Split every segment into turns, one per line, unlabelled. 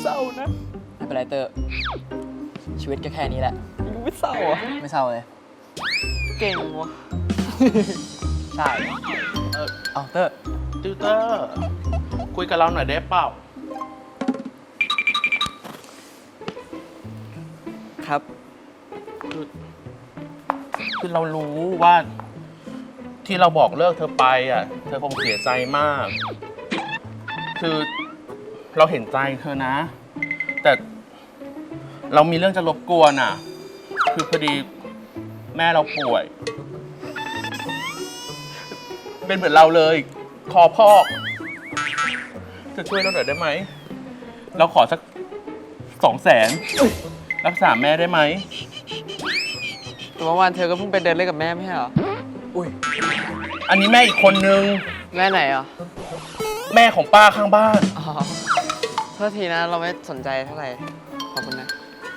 เศร้านะไม่เป็นไรเตอร์ชีวิตก็แค่นี้แหละยูไม่เศร้าอ่ะไม่เศร้าเลยเก่งวะใช่เอาเตอร์
ติวเตอร์คุยกับเราหน่อยได้เปล่า
ครับ
คือเรารู้ว่าที่เราบอกเลิกเธอไปอ่ะเธอคงเสียใจมาก คือเราเห็นใจเธอนะ แต่เรามีเรื่องจะรบกวนอ่ะคือพอดีแม่เราป่วยเป็นเหมือนเราเลยคอพอกจะช่วยเราหน่อยได้ไหมเราขอสัก200,000รักษาแม่ได้ไหม
แต่เมื่อวานเธอก็เพิ่งไปเดินเล่นกับแม่ไม่ใช่เหรออุ้ย
อันนี้แม่อีกคนนึง
แม่ไหนอ่ะ
แม่ของป้าข้างบ้าน
อ๋อโทษทีนะเราไม่สนใจเท่าไหร่ขอบคุณนะ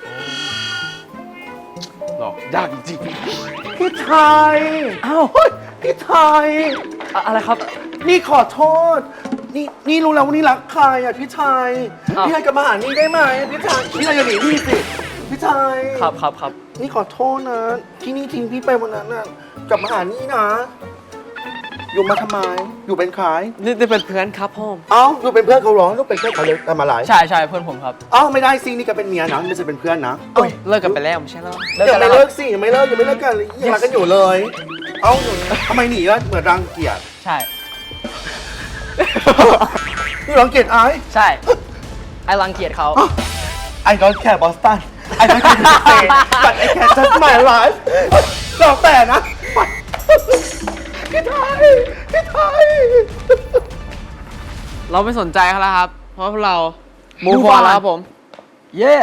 หรอยากจริง
พี่ไทยอ้าวพี่ไทย
อะไรครับ
นี่ขอโทษนี่รู้แล้วว่านี่รักใครอ่ะพี่ไทยพี่ไทยกลับมาหานี่ได้ไหมพี่ไทยอย่าหนีพี่สิพี่ไทย
ครับ
นี่ขอโทษนะที่นี่ทิ้งพี่ไปวันนั้นน่ะกลับมาหานี่นะอยู่มาทำไมอยู่เป็นใคร
นี่เป็นเพื่อนครับพ่อ
อยู่เป็นเพื่อนเขาหรอลูกเป็นเพื่อนเขาเลยทำอะไร
ใช่เพื่อนผมครับ
ไม่ได้สินี่ก็เป็นเมียนะไม่ใช่เป็นเพื่อนนะ
เลิกกันไปแล้วไม่ใช่เหรอ
ยังไม่เลิกสิยังไม่เลิกกันยังรักกันอยู่เลยทำไมหนีล่ะเหมือนรังเกียจ
ใช่
นี่รังเกียจ
ใช่ไอ้รังเกียจเขา
I don't care Boston I don't care the state but I can just my life แล้วแต่นะพี่ไทย
เราไม่สนใจเขาแล้วครับเพราะพวกเรามูฟออนแล้วครับผมเย้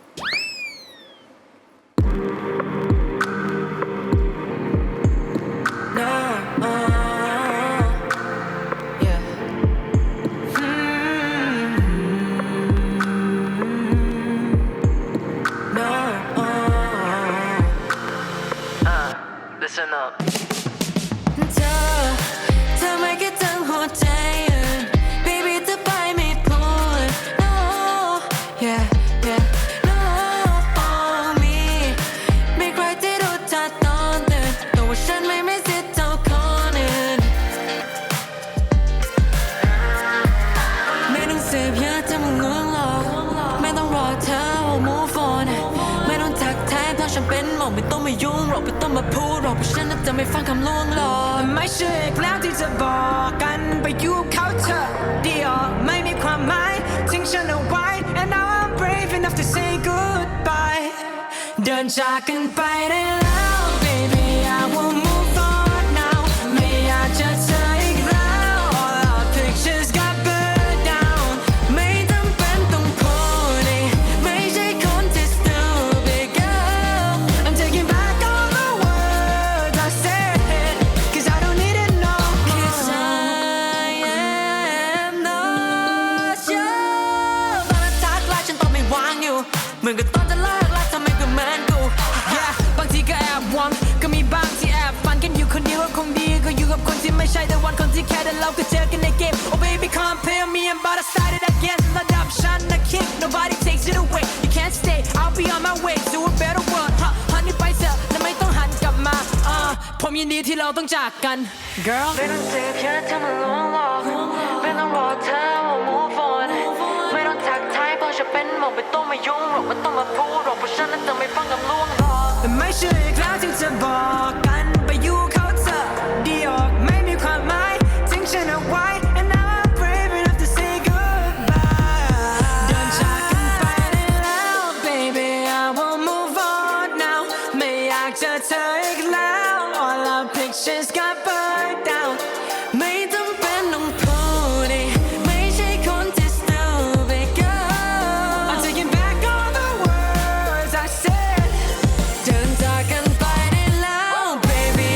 Listen up เธอไม่คิดถึงหัวใจ Baby เธอไปไม่พูด No yeah No me มีใครที่รู้เธอตอนตื่นแต่ว่าฉันไม่มีสิทธิ์เท่าคนอื่นไม่ต้องเสพยาเธอมันง่วงหรอกไม่ต้องรอเธอ move on ไม่ต้องทักทายเพราะฉันเป็นหมอไม่ต้องมายุ่งหรอกไม่ต้องมาพูดหรอกเพราะฉันจะไม่ฟังคำลวงหลอกไม่ใช่อีกแล้วที่จะบอกกันไปยุ่งเขาเธอเดียวไม่มีความหมายทิ้งฉันเอาไว้ and now I'm brave enough to say goodbye เดินจากกันไปได้แล้ว baby I will move on now ไม่อยากจะเธออีกแล้ว all our pictures got burned down ไม่จำเป็นต้องพูดไม่ใช่คนที่ stupid girl I'm taking back all the words I said cause I don't need it no more cause I am not sure ตอนนั้นทักไลน์ฉันตอบไม่วางอยู่เหมือนกับตอนจะเลิกรักทำไมก็เหมือนกู yeah บางทีก็แอบหวังก็มีบางที่แอบฝันกันอยู่คนเดียวก็คงดีก็อยู่กับคนที่ไม่ใช่แต่วันคนที่แค่แต่เราก็เจอกันในเกม oh baby compare me and but I started again ระดับฉันนะ king nobody takes it away you can't stay I'll be on my way to a better world honey ไปเถอะและไม่ต้องหันกลับมาผมยินดีที่เราต้องจากกัน girl ไม่ต้องเจ็บแค่เธอมาลวงหลอกไม่ต้องรอเธอ move on ไม่ต้องทักทายเพราะฉันเป็นหมอไม่ต้องมายุ่งหรอกไม่ต้องมาพูดหรอกเพราะฉันนั้นจะไม่ฟังคำลวงหลอกแต่ไม่ใช่อีกแล้วที่จะบอกกันไปอยู่เขาเธอเดียวไม่มีความหมายทิ้งฉันเอาไว้ and now I'm brave enough to say goodbye เดินจากกันไปได้แล้ว baby I will move on now ไม่อยากเจอเธออีกแล้ว all our pictures got burned down ไม่จำเป็นต้องพูดไม่ใช่คนที่ stupid girl I'm taking back all the words I said เดินจากกันไปได้แล้ว baby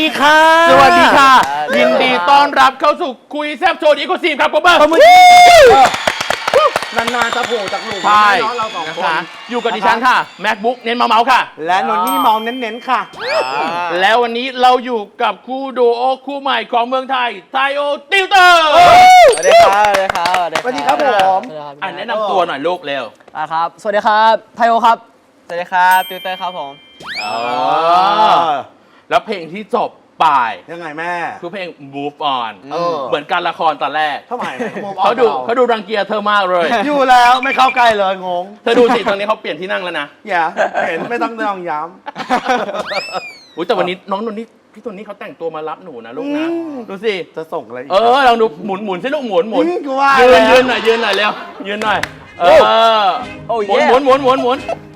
ค่ะ
สวัสดีค่ะ
สวัสดี
ยินดีต้อนรับเข้าสู่คุยแซบโชว์อีโคซีมครับผมเบอร์
นานๆจะโผล่จากหลุม
ใช่
เนาะเราสอง
นะ
คน
คะอยู่กับดิฉันค่ะ MacBook เน้นเมาๆค่ะ
และนนนี่มองเน้นๆค่ะ
แล้ววันนี้เราอยู่กับคู่ดูโอคู่ใหม่ของเมืองไทยไทโอติวเตอร์
สวัสดีครับ สวัสดีครับ
สวัสดีครับผม
สวัสดีครับ
อ่ะแนะนำตัวหน่อยลูกเร็ว
ครับ สวัสดีครับไทโอครับ สวัสดีครับติวเตอร์ครับผม
แล้วเพลงที่จบไป
ยังไงแม่
คือเพลง Move On
เออ
เหมือนการละครตอนแรก
ทำไม
เขาดูรังเกียจเธอมากเลย
อยู่แล้วไม่เข้าใกล้เลยงง
เธอดูสิตอนนี้เขาเปลี่ยนที่นั่งแล้วนะ
อย่าเห็นไม่ต้องย้
อุ้ยแต่วันนี้น้องนนนี่พี่ตัวนี้เขาแต่งตัวมารับหนูนะลูกนะ ดูสิ
ำจะส่งอะไรอีก
ลองดูหมุนสิลูกหมุน
กูว่า
ยื
แล้ว
นหน่อยยืนหน่อยเร็วยืนหน่อย
โอ้
หมุน
yeah
หมุน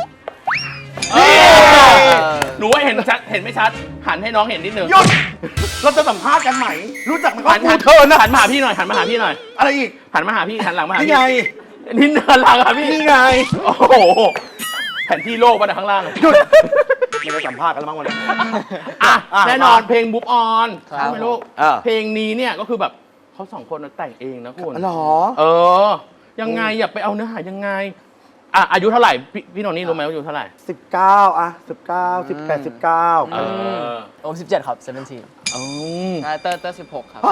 หนูว่าเห็นชัดเห็นไม่ชัด หันให้น้องเห็นนิดนึง
หยุดเราจะสัมภาษณ์กันไหมรู้จักไหม
หัน
กูเธอนะ
หันมาหาพี่หน่อยหันมาหาพี่หน่อย
อะไรอีก
หันมาหาพี่หันหลังมาหา
นี่
พี่
ไง
นี่เนินหลังอะพี่
นี่ไง
โอ้โหแผนที่โลกมาจากข้างล่าง
หยุดไม่ได้สัมภาษณ์กันแล้วมั้งวันนี้
อ่ะ
อ่ะ
แน่นอนเพลง Move On
ครับ
ใช่ไหมลูก
อ่ะ
เพลงนี้เนี่ยก็คือแบบเขาสองคนแต่งเองนะคุณ
หรอ
ยังไงอย่าไปเอาเนื้อหายังไงอายุเท่าไหร่พี่โนนี่รู้ไหมว่าอายุเท่าไหร่
19อ่ะ19 18 19
เออ
โอม17 ครับ 17
อืม
ใช่เตอร์16 ครับ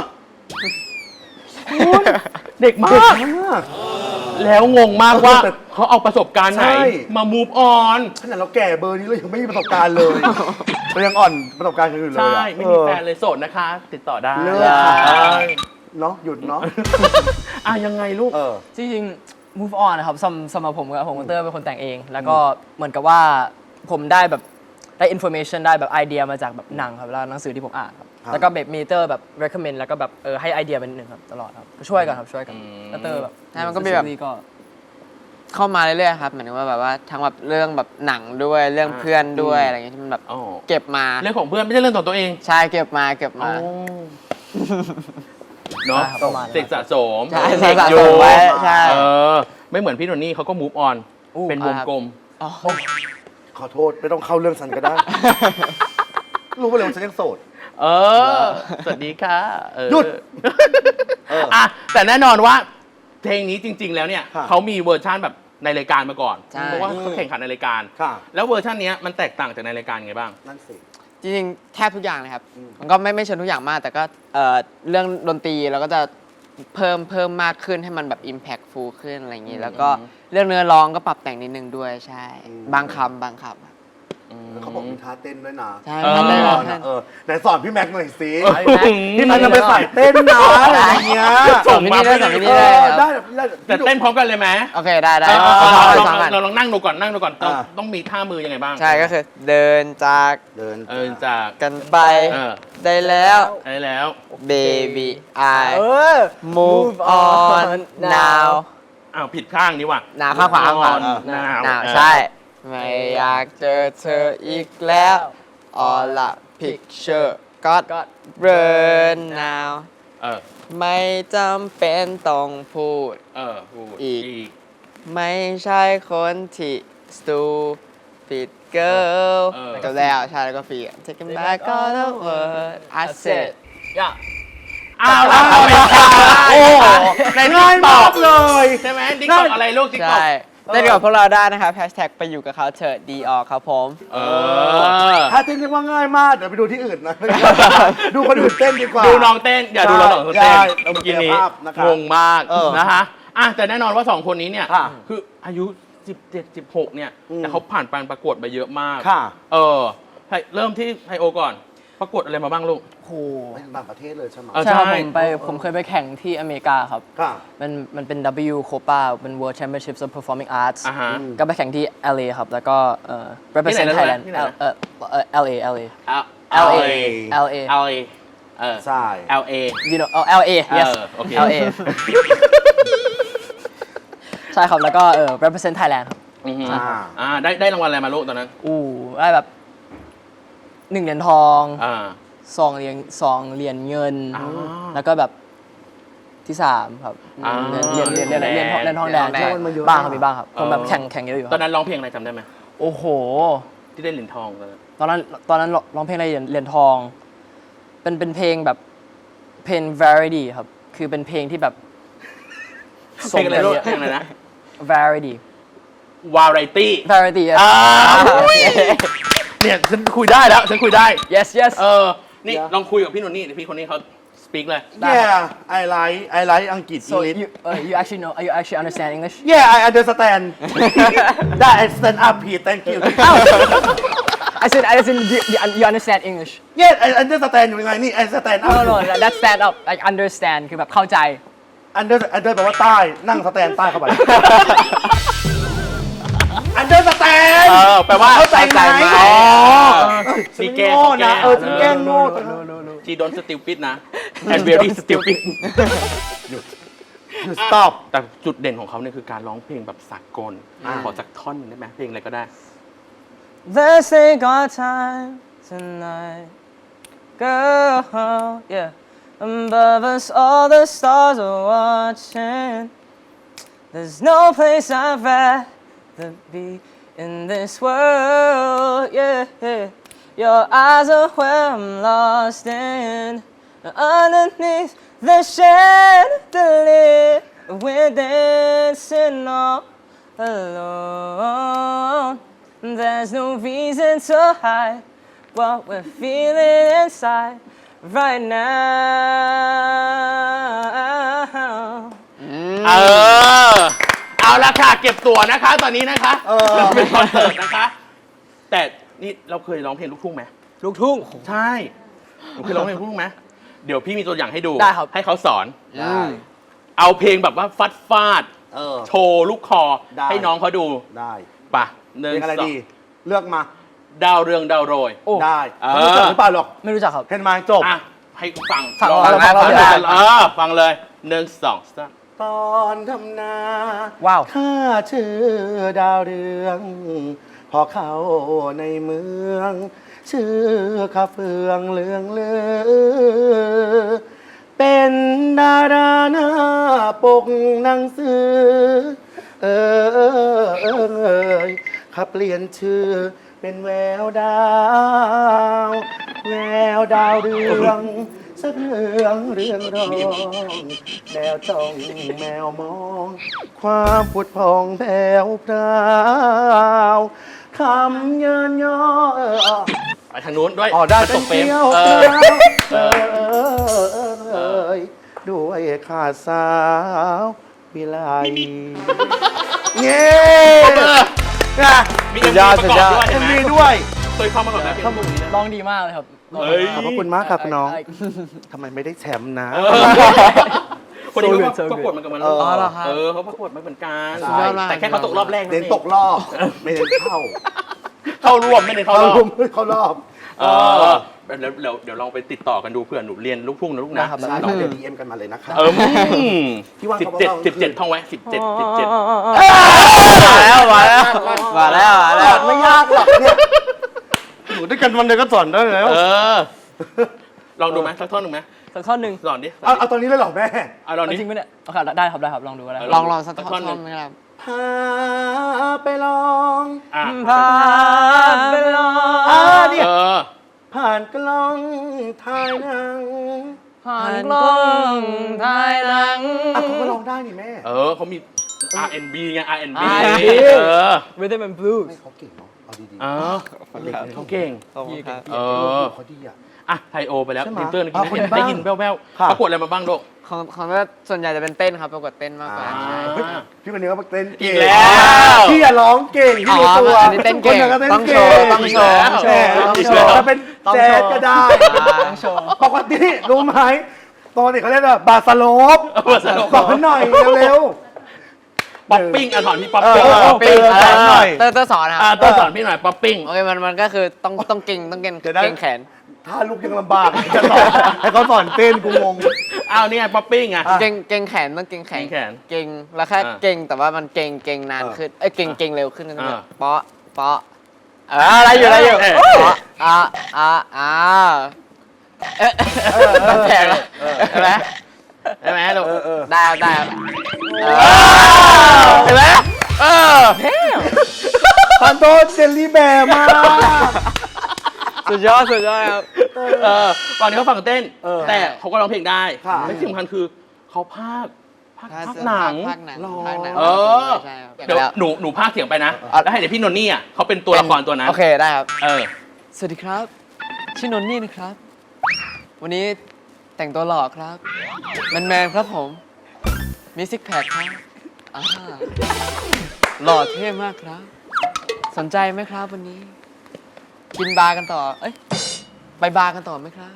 เด็กมาก แล้วงงมากว่าเขาเอาประสบการณ์ไหน
ใช่
มา move on
ขนาดเราแก่เบอร์นี้เรายังไม่มีประสบการณ์เลยเรายังอ่อนประสบการณ์กันอยู่เลย
ใช่
อะ
ไม่มีแฟนเลยโสดนะคะ ติดต่อได้
เลิกค่ะ
เออ
เนาะหยุดเนาะ
ยังไงลูก
จริงๆ move on นะครับสำหรับผมกับเตอร์เป็นคนแต่งเอง แล้วก็เหมือนกับว่าผมได้แบบได้ information ได้แบบไอเดียมาจากแบบหนังครับแล้วหนังสือที่ผมอ่านครับ
ครับ
แล้วก็แบบมีเตอร์แบบ recommend แล้วก็แบบให้ไอเดียเป็นหนึ่งครับตลอดครับก็ช่วยกันครับช่วยกันแล้วเตอร์แบบ
ใช่มันก็มีแบบ
ก็
เข้ามาเรื่อยๆครับหมายถึงว่าแบบว่าทั้งแบบเรื่องแบบหนังด้วยเรื่องเพื่อนด้วยอะไรเงี้ยที่มันแบบ
อ๋อ
เก็บมา
เรื่องของเพื่อนไม่ใช่เรื่องของตัวเอง
ใช่เก็บมา
เนาะ
ใช่ครับประมาณนั้น
เสกสะสม
ใช่
เด็ก
สะ
อยู่
สมไว้ใช่
ไม่เหมือนพี่โนนี่เขาก็ move on เป็นวงกลม
ขอโทษไม่ต้องเข้าเรื่องฉันก็ได้ รู้ไปเลยว่าฉันยังโสด
สวัสดีค่ะ
หยุด
แต่แน่นอนว่าเพลงนี้จริง ๆ แล้วเนี่ย
ค่ะ
เขามีเวอร์ชันแบบในรายการมาก่อน
ใช่
เพราะว่าเขาแข่งขันในรายการ
ค่ะ
แล้วเวอร์ชันเนี้ยมันแตกต่างจากในรายการไงบ้าง
นั่นสิ
จริงๆแทบทุกอย่างเลยครับมันก็ไม่เชิงทุกอย่างมาก แต่ก็เรื่องดนตรีเราก็จะเพิ่มมากขึ้นให้มันแบบ impactful ขึ้นอะไรอย่างนี้แล้วก็เรื่องเนื้อร้องก็ปรับแต่งนิดนึงด้วยใช่ บางคำครับ
เขาบอกมีท่าเต้นด้วยนะ
ใช่
เออ
มันได้
ส
แบ
อบ นอะไหนสอนพี่แม็กซ์หน่อยสิ
พี่
พี่
แม็
แม็
ก
ก
ซ์
ซ์จะไปใส่เต้นนะอะไรอย่างเงี้ย
สอนที่นี่ได้สอนที่นี่ได้ครับ
ได้
แต่เต้นพร้อมกันเลยไหม
โอเคได้
เออ
เอา
เรา
สองกัน
ลองนั่งดูก่อน
อ่า
ต้องมีท่ามือยังไงบ้าง
ใช่ก็คือเดินจาก
เดิน
จาก
กันไป
เออ
ได้แล้ว
ได้แล้ว
baby I
เออ
move on now
อ้าวผิดข้างนี่ว่ะ
หนาวข้างขวาข้างขวา
หนาว
ใช่ ไม่อยากเจอเธออีกแล้ว all a picture got burn now
เออ
ไม่จำเป็นต้องพูด
พูด
อีก ไม่ใช่คนที่ stupid girl จบแล้วใช่แล้วก็ฟี taking back all the word I said
อย่า
อ้าวแล้วไม่ใช่โอ้โหใน
ง่ายมากเลย
ใช่ไหมติ๊กต็อกอะไรลูกติ๊กต็อก
ใช่เล่นกับพวกเราได้นะครับแฮชแท็กไปอยู่กับเขาเถอะดีออกครับผม
ท่าเต้นเรียกว่าง่ายมากเดี๋ยวไปดูที่อื่นนะ ดูคนอื่นเต้นดีกว่า
ดูน้องเต้น อย่าดูเราสองคนเต้น
ใช่
เมื่อกี้นี้
ภาพนะครับ
งงมาก
เออ
นะคะแต่แน่นอนว่าสองคนนี้เนี่ย
ค่ะ
คืออายุ 17 16 เนี่ย แต่เขาผ่านการประกวดมาเยอะมาก
ค่ะ
เริ่มที่ไฮโอก่อน ประกวดอะไรมาบ้างลูก
โห
ไปต่างประเทศเลยใช่ไหม
เออ
ใช่ครับ
ใช่
ผมเคยไปแข่งที่อเมริกาครับ
ค่ะ
มันเป็น W Copa เป็น World Championships of Performing Arts
อ่าฮะ
ก็ไปแข่งที่ LA ครับ แล้วก็represent
ที่ไหนนะ
Thailand
ที่ไหนนะ
LA
LA
LA
LA
ใช่
LA
you know LA yes
โอเค
LA ใช่ครับ แล้วก็represent Thailand ครับ
ได้รางวัลอะไรมาลูกตอนนั้น
ได้แบบ1 เหรียญทอง2 เหรียญเงิน แล้วก็แบบที่ 3 ครับ เหรียญทองแดง
เหรียญทองแดง
ใช่บ้างครับมีบ้างครับผมแบบแข่งเยอะอยู่ค
ตอ
รับ
นนั้นร้องเพลงอะไรจำได้ไหม
โอ้โห
ที่ได้เหรียญทองตอนนั้น
ตอนนั้นร้องเพลงอะไรเหรียญทองเป็นเพลงแบบเพลง variety ครับ คือเป็นเพลงที่แบบ
เพลงอะไรลูกเพลงอะไรนะ
variety
variety
variety yes
เนี่ยฉันคุยได้แล้วฉันคุยได้
yes yes
นี่ลองคุยกับพี่นนนี่เดี๋ยวพี่คนนี้เขา speak เลย
Yeah I like อังกฤษ
so
English
you actually know you actually understand English
Yeah I understand That I stand up here thank you
I said you understand English
Yeah I understand อยู่ยังไงนี่ I stand up
no that's stand up like understand คือแบบเข้าใจ
under แปลว่าใต้นั่งสแตนใต้เข้าไป understand
แปลว่า
เข้าใจไหม
อ๋อ
ฉั
นี่
น
แกล้ง
โง่นะ
เขา
ฉันแกล้งโง่
จีดอน stupid นะ and very stupid
stop
แต่จุดเด่นของเขาเนี่ยคือการร้องเพลงแบบสากลขอสักท่อนหนึ่งได้ไหมเพลงอะไรก็ได้
Let's take our time tonight girl yeah above us all the stars are watching there's no place I'd rather be in this world yeah your eyes are where I'm lost in underneath the chandelier we're dancing all alone there's no reason to hide what we're feeling inside right now
เอาละค่ะเก็บตัวนะคะตอนนี้นะคะเป็นคอนเสิร์ตนะคะ แต่นี่เราเคยร้องเพลงลูกทุ่งไหม
ลูกทุ่ง
ใช่หนูเคยร้องเพลงลูกทุ่งไหมเดี๋ยวพี่มีตัวอย่างให้ดู
ได้ครับ
ให้เขาสอน
ได้
เอาเพลงแบบว่าฟาด โชว์ลูกคอ
ได้
ให้น้องเขาดู
ได้
ป่ะหนึ่ง
เพลงอะไร
สอง
ดีเลือกมา
ดาวเรืองดาวโรย
โอ้
ได้
เออ
ไม่รู้จักหรือเปล่าหรอก
ไม่รู้จักครับ
เห็นไหมจบ
อ่ะให้ฟัง
ฟัง
ลอ
ฟัง
นะ
ฟัง
ฟังเลยหนึ่งสองสาม
ตอนทำนา
ว้าว
ข้าชื่อดาวเรือง พอเข้าในเมือง ชื่อข้าเฟืองเลืองเลือ เป็นดาราหน้าปกหนังสือ ข้าเปลี่ยนชื่อเป็นแววดาว แววดาวเรืองสะเรืองเรืองรองแมวจ้องแมวมอง ความผุดพองแผ่วพราวคำเยินย่อ
ไปทางนู้นด้วย
อ๋อได้
มันต
เป็น
กเฟรม
เที่ยว ด้วยขาดสาววิไลเย้นะ
มีเอ็มวีประกอบด้วย
เอ็
เห็น
ม
ไหม
วีด้วย
เคยเข้ามาก่อนไหมเพลงพวกนี้นะ
ร้องดีมากเลยครับ
เฮ้ย
ขอบพระคุณมากครับน้อง ทำไมไม่ได้แชมป์นะ
คนนี้เขา
So good, so
ประกวดเหมือนกันมา
เออ
เหรอครับ
เขาประกวดมาเหมือนกัน
สุดยอดมาก
แต่แค่เขาตกรอบแรก
เน้นตกรอบ ไม่เน้นเข้า
เข้าร่วมไม่ได้เข้ารอบ
เข้ารอบ
เดี๋ยวลองไปติดต่อกันดูเพื่อหนูเรียนลูกทุ่งนะลูกนะ
ใช่เราเดี๋ยว DM กันมาเลยนะครับ พี่ว่า
สิบ
เขา
เจ็ด
เบาๆ
17ท่องไว้17
มา
17
แล้วมาแล้วมาแล้วมาแล้ว
ไม่ยากหรอกเนี่ยอยู่ด้วยกันวันเดียวก็สอนได้แล้ว
ลองดูไหมสักท่อนหนึ่งไหม
สักท่อนหนึ่ง
สอนดิ
เอาตอนนี้เลยเหรอแม่
เอาลองดิ
จริงไหมเนี่ยโอเคได้ครับได้ครับลองดูก็ได้
ลองสักท่อน
หนึ่ง
ไหมครับ
พาไปลอง
อ่ะ
พาไปลอง
เนี่ย
อ
ผ่านกล้องถ่ายหนัง
ผ่านกล้องถ่ายหนัง
เขาก็ลองได้นี่แม่
เขามี R&B ไง R&B
R&B
Rhythm and Blues
เขาเก่งเนาะเอาดี
เขาเก่ง
ๆ
เออ
เขาดีอ่ะ
อ่ะไทโอไปแล้ว
ใช่ไหม
ดินเตอร์
เอาคนบ้าง
ได้ยินแว่ว
ค่ะ
ๆประกวดอะไรมาบ้างลูก
ของก็ส่วนใหญ่จะเป็นเต้นครับประกวดเต้นมากกว่า
พี่คนนี้เขาเต้นเก่ง
อีกแล้ว
พี่อย่าร้องเก่งพี่รู้ตัว
อันนี้เต้นเก่ง
คนนั้นก็
ต้องโชว์
เต้น
ต้องโชว์
เก่ง
ต้องโชว์
แหมจะเป็นแจ๊สก็ได้
ต้องโชว์
ปกติรู้ไหมตอนนี้เขาเรียกว่าบาสโลป
บาสโลป
สอนหน่อยเร็ว
ป๊อปปิ้งอ่ะสอนพี่ป๊อป
เออ
ปิ้ง
ป๊อปปิ้ง หน่อย
เตอร์สอนครับ
ต้องสอนพี่หน่อยป๊อปปิ้ง
โอเคมันก็คือต้องเก่งต้องเก่ง
เดี๋ยวนะ
เก่งแขน
ๆถ้าลูกยังลำบากจะสอนให้เขาสอนเต้นกูงง
อ้าวนี่ไงป๊อปปิ้งอ่ะ
เก่งแขนต้องเก่งแขน
เก่งแขน
เก่งแล้วแค่
อ่า
เก่งแต่ว่ามันเก่งนานขึ้นเก่งเร็วขึ้น
อ่า
เปาะอะไรอยู่
เออ
เปาะต้องแข่งใช่ไหม
ได้ไหมลูก
ได้ครับ
เห็นไหมเออ
พันโทษเจลลี่แบร์มาก
สุดยอดครับ
เต้
ฝั่งนี้เขาฝั่งเต้น
เออ
แต่เขาก็ร้องเพลงได้
ค่ะ
และที่สำคัญคือเขาพากหนัง
ภาคหนัง
หรอ
ภาคหนัง
เออ
ใช่ครับ
เดี๋ยวหนูพากเสียงไปนะ แล้วให้เดี๋ยวพี่นนนี่อ่ะเขาเป็นตัวละครตัวนั้น
โอเคได้ครับ
เออ
สวัสดีครับ ชื่อนนนี่นะครับ วันนี้แต่งตัวหล่อครับแมนๆครับผม มีซิกแพคครับอ่าหล่อเท่มากครับ สนใจไหมครับวันนี้ กินบาร์กันต่อ เอ้ย ไปบาร์กันต่อไหมครับ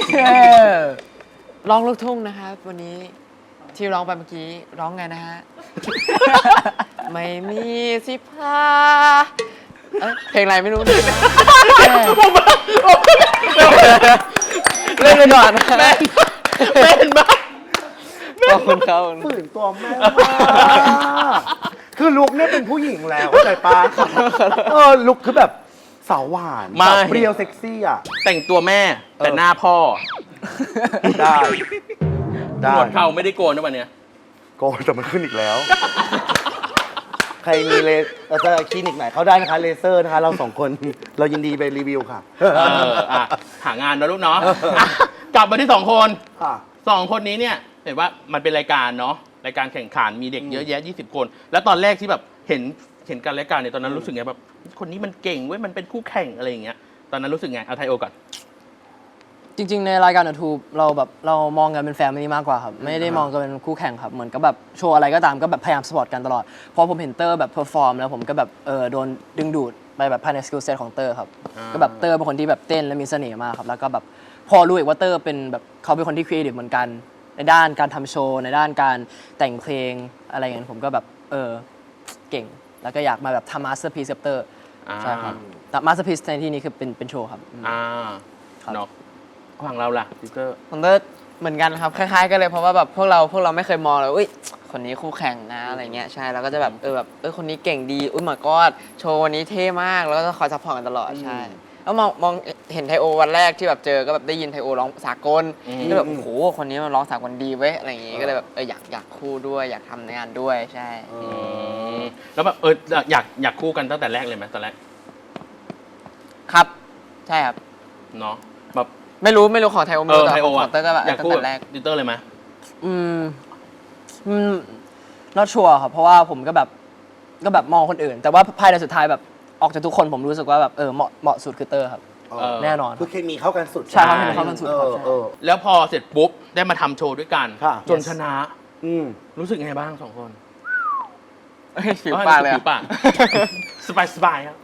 ร้องลูกทุ่งนะครับ วันนี้ที่ร้องไปเมื่อกี้ร้องไงนะฮะ ไม่มีสิพาเอ้ยเพลงอะไรไม่รู้นะเล่นไปก่อนนะ
แม่นมาก
ขอบคุณครับ
ฝืนตัวแม่มากคือลุกเนี่ยเป็นผู้หญิงแล้วเข้าใจปะลุกคือแบบสาวหวาน
ไม่
สาวเปรี้ยวเซ็กซี่อ่ะ
แต่งตัวแม่แต่หน้าพ่อ
ได้
หนวดเขาไม่ได้โกนนะวันเนี้ย
โกนแต่มันขึ้นอีกแล้ว ใครมีจะคลินิกไหนเขาได้นะคะเลเซอร์นะคะ เราสองคนเรายินดีไปรีวิวค่ะ
หางานนะลูกเนาะอ่ะกลับมาที่สองคน
ค่ะ
สองคนนี้เนี่ยเห็นว่ามันเป็นรายการเนาะรายการแข่งขันมีเด็กเยอะแยะ20 คน แล้วตอนแรกที่แบบเห็นกันรายการเนี่ยตอนนั้นรู้สึกไงแบบคนนี้มันเก่งเว้ยมันเป็นคู่แข่งอะไรอย่างเงี้ยตอนนั้นรู้สึกไงเอาไทโอก่อน
จริงๆ ในรายการ YouTube เรามองกันเป็นแฟมิลี่มากกว่าครับ ไม่ได้มองกันเป็นคู่แข่งครับ เหมือนกับแบบโชว์อะไรก็ตามก็แบบพยายามสปอร์ตกันตลอด พอผมเห็นเตอร์แบบเพอร์ฟอร์มแล้วผมก็แบบโดนดึงดูดไปแบบภายในสกิลเซ็ตของเตอร์ครับ ก็แบบเตอร์เป็นคนที่แบบเต้นและมีเสน่ห์มากครับ แล้วก็แบบพอรู้อีกว่าเตอร์เป็นแบบเขาเป็นคนที่ครีเอทีฟเหมือนกัน ในด้านการทำโชว์ในด้านการแต่งเพลงอะไรอย่างเงี้ยผมก็แบบเก่ง แล้วก็อยากมาแบบทำมาสเตอร์พีซกับเตอร์ใช่ครับแต่มาสเตอร์พีซในที่นี้คือเป็นโชว์ครับ
เนาะฝั่งเราล่ะดิเกอร์
ผมก็เหมือนกันครับคล้ายๆกันเลยเพราะว่าแบบพวกเราไม่เคยมองเลยอุ้ยคนนี้คู่แข่งนะอะไรเงี้ยใช่แล้วก็จะแบบคนนี้เก่งดีอุ้ยหมากอดโชว์วันนี้เท่มากแล้วก็จะคอยซัพพอร์ตกันตลอดใช่แล้วมองเห็นไทโอวันแรกที่แบบเจอก็แบบได้ยินไทโอร้องสากลก็แบบโอ้โหคนนี้มันร้องสากลดีเว้ยอะไรอย่างงี้ก็เลยแบบอยากคู่ด้วยอยากทำงานด้วยใช่
แล้วแบบอยากคู่กันตั้งแต่แรกเลยไหมตอนแรก
ครับใช่ครับ
เนาะแบบ
ไม่รู้ของไทโอไม่รู้แต่
ไทโอ
ของเตอร์ก็แบบ
อยาก
ตั้
คู่
งแต่แรก
ดิเตอร์เลยไหม
not sure ครับ เพราะว่าผมก็แบบมองคนอื่น แต่ว่าภายในสุดท้ายแบบออกจากทุกคนผมรู้สึกว่าแบบเหมาะสุดคือเตอร์ครับ แน่นอน
คือเคมีเข้ากันสุด
ใช่ครับเคมีเข้ากันสุดครับ
แล้วพอเสร็จปุ๊บได้มาทำโชว์ด้วยกัน
ค่ะ
จนชนะ รู้สึกไงบ้างสองคน
ผิวปากเลย
ผิวปากสบายครับ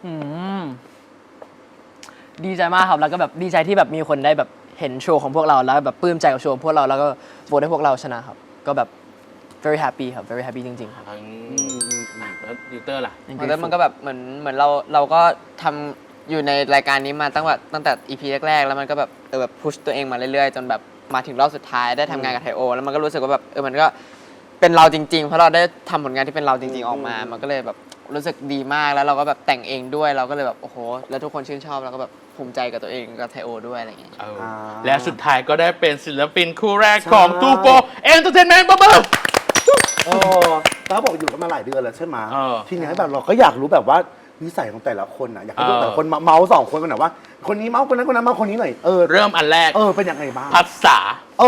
ดีใจมากครับ แล้วก็แบบดีใจที่แบบมีคนได้แบบเห็นโชว์ของพวกเราแล้วแบบปลื้มใจกับโชว์ของพวกเราแล้วก็โหวตให้พวกเราชนะครับ ก็แบบ very happy ครับ very happy จริงๆครับ
แล้วดิเตอร์ล่ะ
แล้วมันก็แบบเหมือนเราก็ทำอยู่ในรายการนี้มาตั้งแต่ EP แรกๆแล้วมันก็แบบแบบพุชตัวเองมาเรื่อยๆจนแบบมาถึงรอบสุดท้ายได้ทำงานกับไทโอแล้วมันก็รู้สึกว่าแบบมันก็เป็นเราจริงๆเพราะเราได้ทำผลงานที่เป็นเราจริงๆออกมามันก็เลยแบบรู้สึกดีมากแล้วเราก็แบบแต่งเองด้วยเราก็เลยแบบโอ้โหแล้วทุกคนชื่นชอบแล้วก็แบบภูมิใจกับตัวเองกับไทโอด้วยอะไรอย่างเงี้ย
และสุดท้ายก็ได้เป็นศิลปินคู่แรกของตูโปเอนเตอร์เทนเมนต์บ๊อบ
ตาบอกอยู่กันมาหลายเดือนแล้วใช่ไหม
เออ
ทีนี้แบบเราก็อยากรู้แบบว่านิสัยของแต่ละคนอ่ะอยากให้แต่ละคนเมาส์สองคนกันหน่อยว่า คนนี้เมาส์คนนั้นเมาส์คนนี้หน่อย
เริ่มอันแรก
เป็นยังไงบ้าง
ภาษา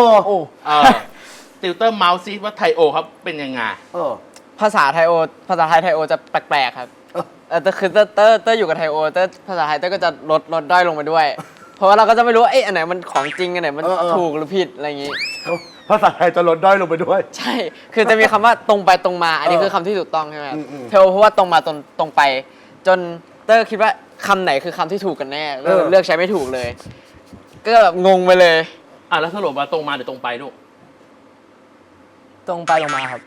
ติวเตอร์เมาส์ซีว่าไทโอครับเป็นยังไง
ภาษาไทยจะแปลกๆครับแต่คือเตอร์อยู่กับไทโอเตอร์ภาษาไทยเตอร์ก็จะลดด้อยลงไปด้วย เพราะว่าเราก็จะไม่รู้ว่าอันไหนมันของจริงอันไหนมันถูกหรือผิดอะไรอย่างงี้
ภาษาไทยจะลดด้อยลงไปด้วย
ใช่ คือจะมีคำว่าตรงไปตรงมา อันนี้คือคำที่ถูกต้องใช่ไหมครับ
อืม
เทโอเพราะว่าตรงมาตรงไป จนเตอร์คิดว่าคำไหนคือคำที่ถูกกันแน่เลือกใช้ไม่ถูกเลย ก็แบบงงไปเลย
แล้วสรุปว่าตรงมาหรือตรงไปลูก
ตรงไปตรงมาครับ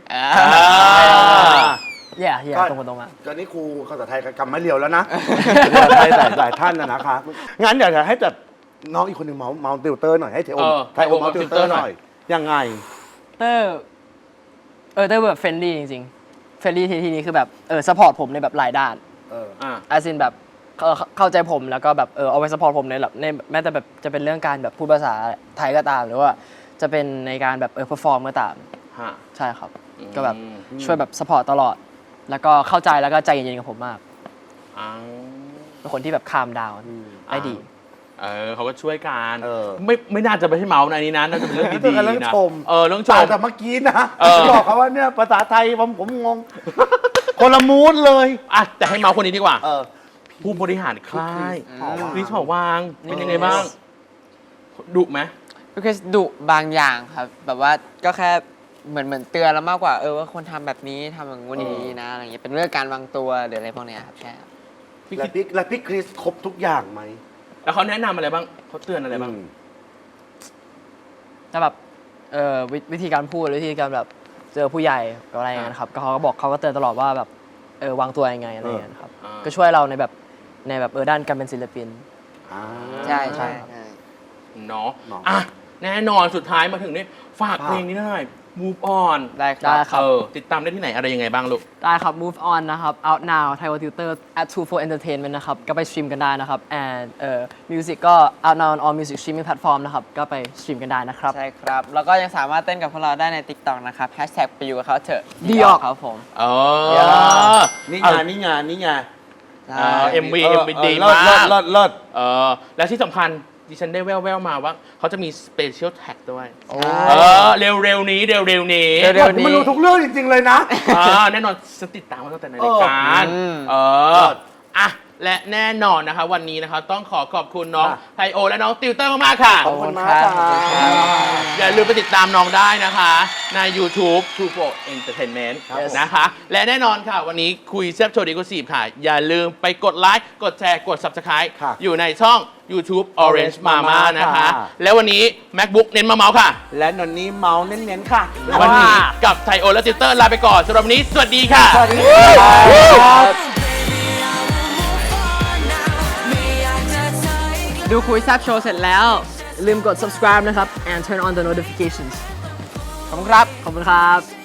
ตรงไปตรงมา
ตอนนี้ครูภาษาไทยกำไม่เรียวแล้วนะไทยหลายท่านนะคะงั้นอยากจะให้จัดน้องอีกคนหนึ่งเมาส์ติวเตอร์หน่อยให้ไทโอเมาส์ติวเตอร์หน่อยยังไง
เตอร์แบบเฟรนลี่จริงๆเฟรนลี่ทีนี้คือแบบซัพพอร์ตผมในแบบหลายด้านอาซินแบบเข้าใจผมแล้วก็แบบเอาไว้ซัพพอร์ตผมในแบบในแม้แต่แบบจะเป็นเรื่องการแบบพูดภาษาไทยก็ตามหรือว่าจะเป็นในการแบบเพอร์ฟอร์มก็ตามใช่ครับก็แบบช่วยแบบซัพพอร์ตตลอดแล้วก็เข้าใจแล้วก็ใจเย็นๆกับผมมากเป็นคนที่แบบคามดาวได้ดี
เขาก็ช่วยกัน
เออ
ไม่น่าจะไปให้เมาส์ในนี้นะน่าจะเป็นเรื่องดี
เรื่อง
ๆนะ
ชม
เรื่องชม
แต่เมื่อกี้นะ
เออ
บอกเขาว่าเนี่ยภาษาไทยผมงง คนละมูดเลย
อ่ะแต่ให้เมาส์คนนี้ดีกว่า
เออ
ผู้บริหารค่าย
พี่คริส
คริสหอวางเป็นยังไงบ้างดุไหม
ก็คือดุบางอย่างครับ แบบว่าก็แค่เหมือนเตือนแล้วมากกว่าว่าคนทำแบบนี้ทำอย่างงู้นอย่างนี้นะอะไรเงี้ยเป็นเรื่องการวางตัวหรืออะไรพวกเนี้ยครับใช่ครับ
และพี่คริสครบทุกอย่างไหม
แล้วเขาแนะนำอะไรบ้างเขาเตือนอะไรบ้าง
แต่แบบวิธีการพูดหรือวิธีการแบบเจอผู้ใหญ่กับอะไรอย่างเงี้ยนะครับก็เขาก็บอกเขาก็เตือนตลอดว่าแบบวางตัวยังไงอะไรอย่างเงี้ยนะครับ
อ่า
ก็ช่วยเราในแบบด้านการเป็นศิลปิน
ใช่ใช่
เนาะ
เนาะ
อ่ะแน่นอนสุดท้ายมาถึงนี่ฝากเพลงนี้หน่อย Move On
ได้ค
ได้
รับ
ครับ
ติดตามได้ที่ไหนอะไรยังไงบ้างลูก
ได้ครับ Move On นะครับ Out Now Thai Tutor at 24 Entertainment นะครับก็ไปสตรีมกันได้นะครับ and music ก็ Out Now on all music streaming platform นะครับก็ไปสตรีมกันได้นะครับ
ใช่ครับ แล้วก็ยังสามารถเต้นกับพวกเราได้ใน TikTok นะครับไปอยู่กับเขาเถอะ
ดีออก
ครับผม
นี่
เอา
ไงนี่ไงนี่ไง
MV ดี
เลิศ
มาก
เลิศ
และที่สำคัญดิฉันได้แว่วๆมาว่าเขาจะมี Special Tag ด้วย
โอ้
เร็วๆนี้
เร็ว
มันรู้ทุกเรื่องจริง ๆ เลยนะ
แน่นอนฉันติดตามมาตั้งแต่ในรายการ อ่ะ และแน่นอนนะคะ วันนี้นะคะต้องขอบคุณน้อง
ค่ะ
ไทโอและน้องติวเตอร์มากๆค่ะ
ขอบคุณมากครับ
อย่าลืมไปติดตามน้องได้นะคะ ใน YouTube True Pro Entertainment
ครับผม
นะคะ และแน่นอนค่ะ วันนี้คุยแซ่บโชว์ดีกว่าค่ะ อย่าลืมไปกดไลค์กดแชร์กด Subscribe
ค่ะ
อยู่ในช่อง YouTube Orange Mama
Mama
นะคะ
ค่ะ
และวันนี้ MacBook เน้นมาเมาส์ค่ะ
และนนนี้เมาส์เน้นๆค่ะ
วันนี้กับไทโอและติวเตอร์ลาไปก่อนสำหรับวันนี้สวัสดีค่ะ
สวัสดีครับ
ดูคุยแซบโชว์เสร็จแล้วอย่าลืมกด subscribe นะครับ and turn on the notifications
ขอบคุณครับ
ขอบคุณครับ